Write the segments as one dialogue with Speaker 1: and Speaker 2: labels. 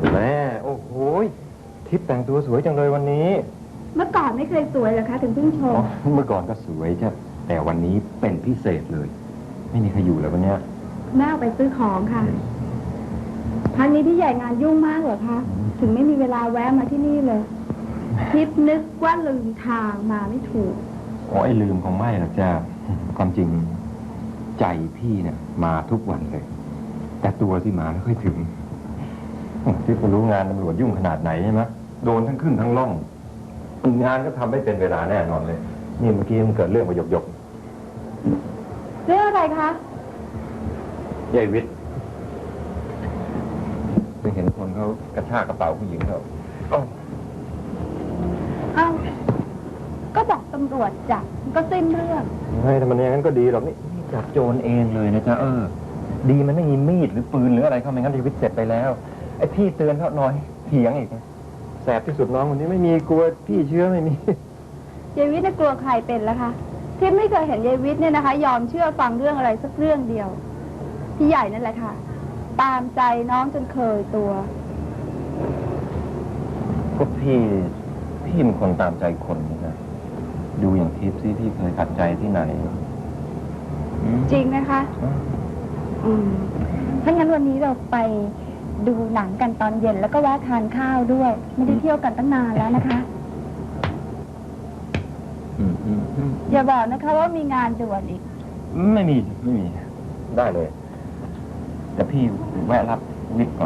Speaker 1: แม่โอ้โหทิพย์แต่งตัวสวยจังเลยวันนี้
Speaker 2: เมื่อก่อนไม่เคยสวยเหรอคะถึงเพิ่งชม
Speaker 1: เมื่อก่อนก็สวยจ้ะแต่วันนี้เป็นพิเศษเลยไม่มีใครอยู่แล้ววันเนี้ย
Speaker 2: แม่ออกไปซื้อของค่ะพันนี้พี่ใหญ่งานยุ่งมากเหรอคะถึงไม่มีเวลาแวะมาที่นี่เลยทิพย์นึกว่าลืมทางมาไม่ถูก
Speaker 1: อ๋อไอ้ลืมคงไม่หรอกจ้าความจริงใจพี่เนี่ยมาทุกวันเลยแต่ตัวที่มาไม่ค่อยถึงที่คุณรู้งานตำรวจยุ่งขนาดไหนใช่ไหมโดนทั้งขึ้นทั้งล่องงานก็ทำไม่เป็นเวลาแน่นอนเลยนี่เมื่อกี้มันเกิดเรื่องมาหยก
Speaker 2: เรื่องอะไรคะ
Speaker 1: ยายวิทย์ไปเห็นคนเขากระชากกระเป๋าผู้หญิงเขา
Speaker 2: อ้าวก็บอกตำรวจจับก็สิ้นเรื่อง
Speaker 1: เฮ้ยแต่มันอย่างนั้นก็ดีหรอกนี่จับโจรเองเลยนะจ๊ะดีมันไม่มีมีดหรือปืนหรืออะไรเข้าไม่งั้นชีวิตเสร็จไปแล้วไอ้พี่เตือนเขาหน่อยเถียงอีกแสบที่สุดน้องคนนี้ไม่มีกลัวพี่เชื้อไม่มี
Speaker 2: ยายวิทย์กลัวใครเป็นแล้วคะที่ไม่เคยเห็นยายวิทย์เนี่ยนะคะยอมเชื่อฟังเรื่องอะไรสักเรื่องเดียวพี่ใหญ่นั่นแหละค่ะตามใจน้องจนเคยตัว
Speaker 1: พวกพี่เป็นคนตามใจคนนะดูอย่างทิพย์ที่เคยขัดใจที่ไหน
Speaker 2: จริงไหมคะถ้างั้นวันนี้เราไปดูหนังกันตอนเย็นแล้วก็แวะทานข้าวด้วยไม่ได้เที่ยวกันตั้งนานแล้วนะคะอย่าบอกนะคะว่ามีงานด่วนอีก
Speaker 1: ไม่มีได้เลยแต่พี่แวะรับวิทย์ก่อน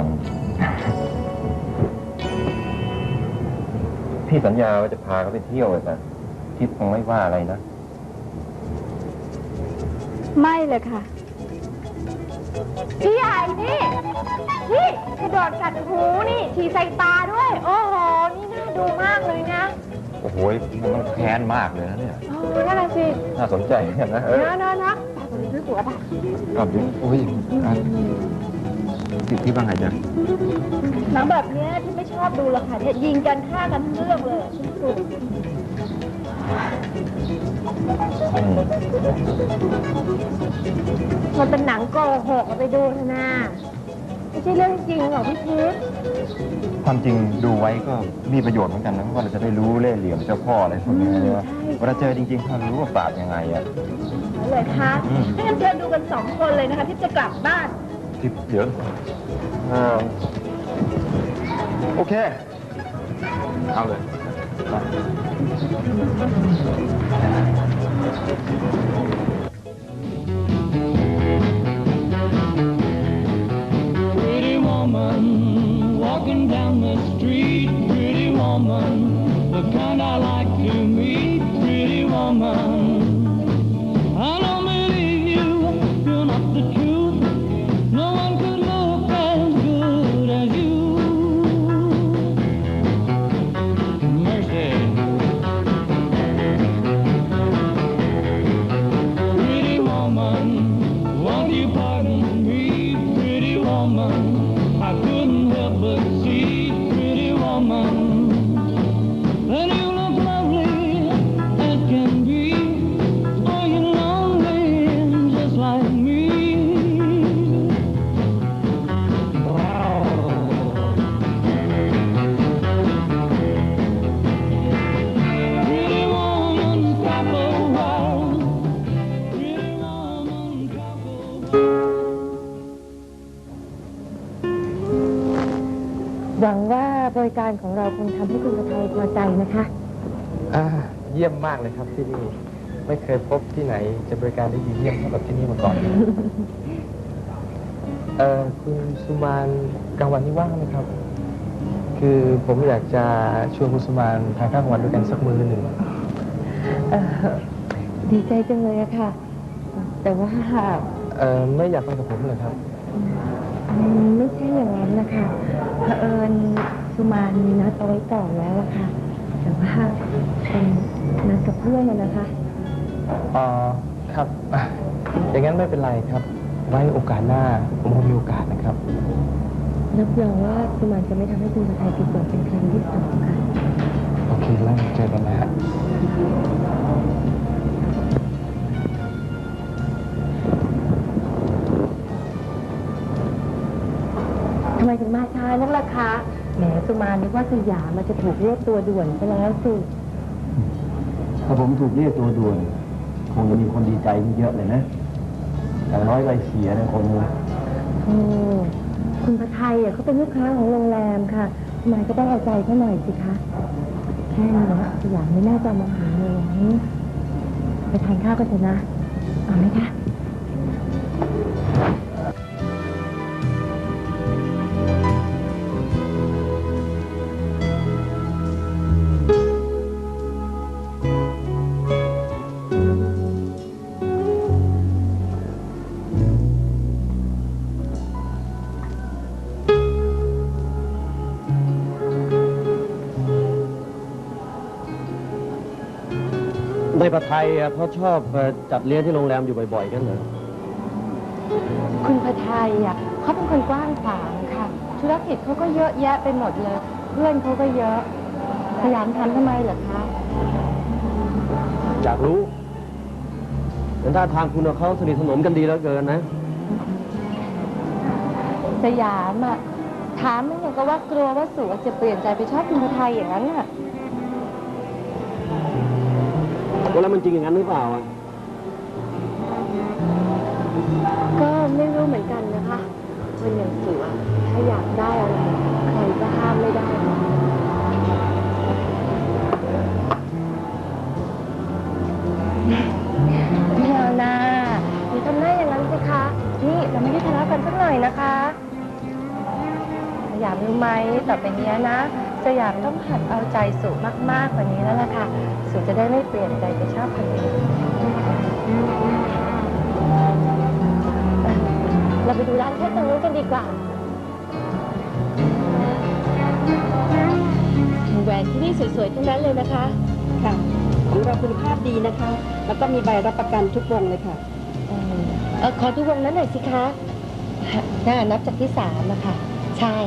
Speaker 1: พี่สัญญาว่าจะพาเขาไปเที่ยวแต่ทิพย์คงไม่ว่าอะไรนะ
Speaker 2: ไม่เลยค่ะพี่ใหญ่นี่กระโดดกัดหูนี่ฉี่ใส่ตาด้วยโอ้โหนี่น่าดูมากเลยนะ
Speaker 1: โอ้โหมันต้องแค้นมากเลยนะเนี่ย
Speaker 2: นั่นแหละสิ
Speaker 1: น่าสนใจนะ
Speaker 2: นะตอนนี้ซื้อตั๋วป่ะ
Speaker 1: ครับดิโอ้ยที่บ้างไงจ๊ะ
Speaker 2: หนังแบบนี้ที่ไม่ชอบดูหรอกค่ะยิงกันฆ่ากันทั้งเรื่องเลยสุดมันเป็นหนังโกหกไปดูเถอะนะไม่ใช่เรื่องจริงหรอกพี่ทิพย์
Speaker 1: ความจริงดูไว้ก็มีประโยชน์เหมือนกันนะเพราะเราจะได้รู้เล่ห์เหลี่ยมเจ้าพ่ออะไรพวกนี้นะเวลาเจอจริงๆถ้ารู้ว่าปราบยังไง
Speaker 2: เลยคะให้กันเชิญดูกัน2 คนเลยนะคะที่จะกลับบ้าน
Speaker 1: ทิพย์เดี๋ยวโอเคเอาเลย
Speaker 3: Pretty woman walking down the street Pretty woman the kind I like to meet Pretty woman I don't believe you you're not the truth No one could look as good as you Mercy Pretty woman won't you pardon me Pretty woman I couldn't help but see Pretty woman that you look lovely as can be Are you lonely just like me Pretty woman stop a while Pretty woman stop a while
Speaker 2: หวังว่าบริการของเราคงทำให้คุณประไทยพอใจนะคะ
Speaker 4: เยี่ยมมากเลยครับที่นี่ไม่เคยพบที่ไหนจะบริการได้ดีเยี่ยมเท่ากับที่นี่มาก่อนคุณสุมานกลางวันนี้ว่างไหมครับคือผมอยากจะชวนคุณสุมานทานข้าวกลางวันด้วยกันสักมื้อหนึ่ง
Speaker 2: ดีใจจังเลยอะค่ะแต่ว่า
Speaker 4: ไม่อยากไปกับผมเลยครับ
Speaker 2: ไม่ใช่อย่างนั้นนะคะเผอิญสุมานมีนัดเอาไว้ก่อนแล้วอะค่ะแต่ว่าเป็นนัดกับเพื่อนนะคะ
Speaker 4: ครับอย่างนั้นไม่เป็นไรครับไว้โอกาสหน้าผมคงมีโอกาสนะครับ
Speaker 2: รับรองว่าสุมานจะไม่ทำให้คุณประไทยผิดหวังเป็นครั้งที่2ค่ะ
Speaker 4: โอเคแล้วเจอกันนะฮะ
Speaker 2: ทำไม
Speaker 5: ถึงมาช้านักล่ะคะแหมสุมานึกว่าสยามมันจะถูกเรียกตัวด่วนไปแล้วสิ
Speaker 1: ถ้าผมถูกเรียกตัวด่วน คงจะมีคนดีใจเยอะเลยนะอย่างน้อยไรเสียนะคนนึง
Speaker 5: คุณพระไทยเขาเป็นลูกค้าของโรงแรมค่ะทำไมก็ต้องเอาใจเขาหน่อยสิคะแค่นี้นะสยามไม่น่าจะมองหาเลยไปทานข้าวกันเถอะนะเอาไหมคะ
Speaker 6: ในประเทศไทยเขาชอบจัดเลี้ยงที่โรงแรมอยู่บ่อยๆกันเหรอ
Speaker 5: คุณพระไทยเขาเป็นคนกว้างขวางค่ะ ธุรกิจเขาก็เยอะแยะไปหมดเลย เพื่อนเขาก็เยอะสยามทำทำไมเหรอคะ
Speaker 6: อยากรู้แต่ถ้าทางคุณกับเขาสนิทสนมกันดีแล้วเกินนะ
Speaker 5: สยามถามมันอย่างก็ว่ากลัวว่าสุจะเปลี่ยนใจไปชอบคุณพระไทยอย่างนั้นน่ะ
Speaker 6: แล้วมันจริงอย่างนั้นหรือเปล่าอ่ะ
Speaker 5: ก็ไม่รู้เหมือนกันนะคะคนอย่างสุถ้าอยากได้อะไรใครก็ห้ามไม่ได้ไม่เอานะอย่าทำหน้าอย่างนั้นสิคะนี่เราไม่ได้ทะเลาะกันสักหน่อยนะคะสยามรู้ไหมต่อไปนี้นะสยามต้องหัดเอาใจสุมากๆกว่านี้แล้วล่ะค่ะสุจะได้ไม่เปลี่ยนใจไปชอบคนอื่นเราไปดูร้านเพชรตรงนู้นกันดีกว่าแหวนที่นี่สวยๆทั้งนั้นเลยนะคะ
Speaker 7: ค่ะของเราคุณภาพดีนะคะ แล้วก็มีใบรับประกันทุกวงเลยค่ะ
Speaker 5: ขอดูวงนั้นหน่อยสิคะนับจากที่3นะคะใช่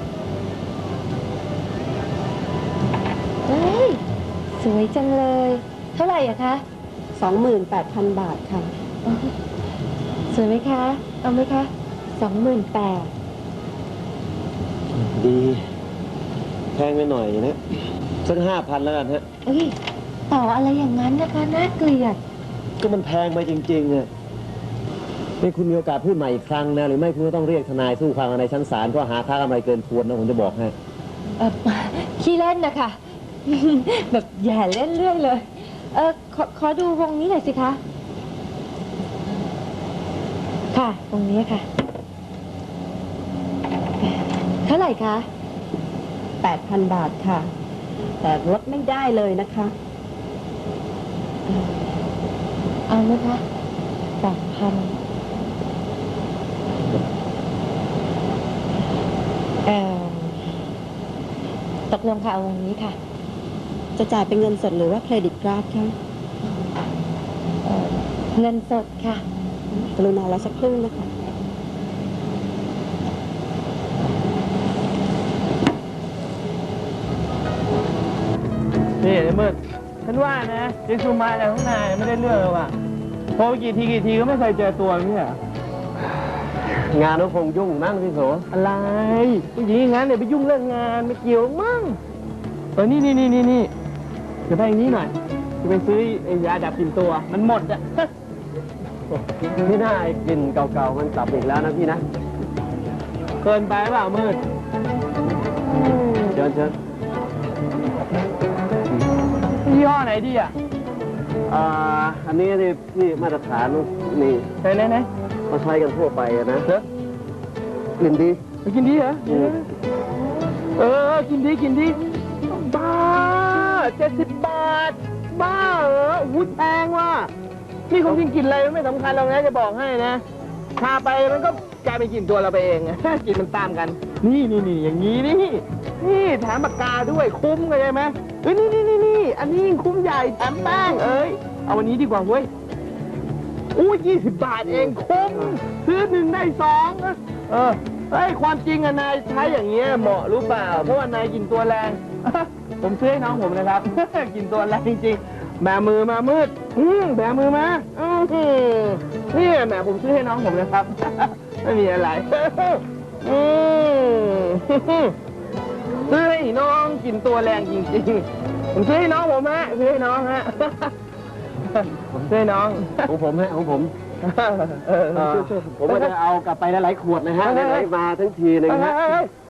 Speaker 5: เฮ้ยสวยจังเลย เท่าไหร่อะคะ
Speaker 7: 28,000 บาทค่ะ
Speaker 5: สวยไหมคะ เอาไหมคะ 28,000
Speaker 6: ดี แพงไปหน่อยนะสัก5,000แล้วกันฮะ
Speaker 5: เอ้ยต่ออะไรอย่างนั้นนะคะน่าเกลียด
Speaker 6: ก็มันแพงไปจริงๆอ่ะนี่คุณมีโอกาสพูดใหม่อีกครั้งนะหรือไม่คุณก็ต้องเรียกทนายสู้ความกันในชั้นศาลเพราะหาค่ากำไรเกินควรนะผมจะบอกให้
Speaker 5: ขี้เล่นนะคะ แบบแย่เล่นเรื่อยเลย ขอดูวงนี้หน่อยสิคะ ค่ะวงนี้ค่ะ เท่าไหร่คะ
Speaker 7: 8,000 บาทค่ะ แต่ลดไม่ได้เลยนะคะ
Speaker 5: เอาไหมคะ8,000ตกลงค่ะเอาวงนี้ค่ะ
Speaker 7: จะจ่ายเป็นเงินสดหรือว่าเครดิตการ์ดคะ
Speaker 5: เงินสดค่ะ
Speaker 7: กรุณารอสักครู่นะคะ
Speaker 4: นี่ไอ้มืดฉันว่านะยังชูมาอะไรข้างในไม่ได้เรื่องเลยว่ะโทรไปกี่ทีก็ไม่เคยเจอตัวนี่อ่ะ
Speaker 6: งานก็คงยุ่งนั่งพี่โส
Speaker 4: อะไรผู้หญิงอย่างนั้นเนี่ยไปยุ่งเรื่องงานไม่เกี่ยวมั่งนี่เดี๋ยวไปอย่างนี้หน่อยจะไปซื้อไอ้ยาดับกลิ่นตัวมันหมดอ่ะ
Speaker 6: ที่น่าไอ้กลิ่นเก่าๆมันกลับอีกแล้วนะพี่นะ
Speaker 4: เกินไปเปล่ามืด
Speaker 6: เชิญ
Speaker 4: ยี่ห้อไหนดีอ่ะ
Speaker 6: อันนี้ที่มาตรฐานนี่
Speaker 4: ไหน
Speaker 6: เขาใช้กันทั่วไปอะนะ
Speaker 4: เด้อก
Speaker 6: ลิ่นดี
Speaker 4: ไปกินดีเหรอ กินดีบ้า70 บาท บ้าเหรออุ้ยแพงว่ะนี่คงกินกลินอะไรไม่สำคัญหรอกนะจะบอกให้นะทาไปมันก็กลายเป็นกลิ่นตัวเราไปเองกลิ่นมันตามกัน นี่อย่างนี้นี่แถมปากกาด้วยคุ้มเข้าใจไหมนี่อันนี้ยิ่งคุ้มใหญ่แถมแป้งเอาวันนี้ดีกว่าเว้ยอู้20 บาทเองคุ้มซื้อ1ได้2ความจริงอะนายใช้อย่างเงี้ยเหมาะรู้เปล่าเพราะว่านายกินตัวแรง ผมซื้อให้น้องผมนะครับ กินตัวแรงจริงๆแบมือมามืดแบมือมานี่แหมผมซื้อให้น้องผมนะครับ ไม่มีอะไรอืม ซื้อให้น้องกินตัวแรงจริงๆ ผมซื้อให้น้องผมฮะซื้อให้น้องฮะ ผมซื้อให้น้อง
Speaker 6: ของผมฮะของผม
Speaker 4: ช่วย
Speaker 6: ผมก็จะเอากลับไปหลายๆขวดนะฮะไหนๆมาทั้งทีนึงฮะ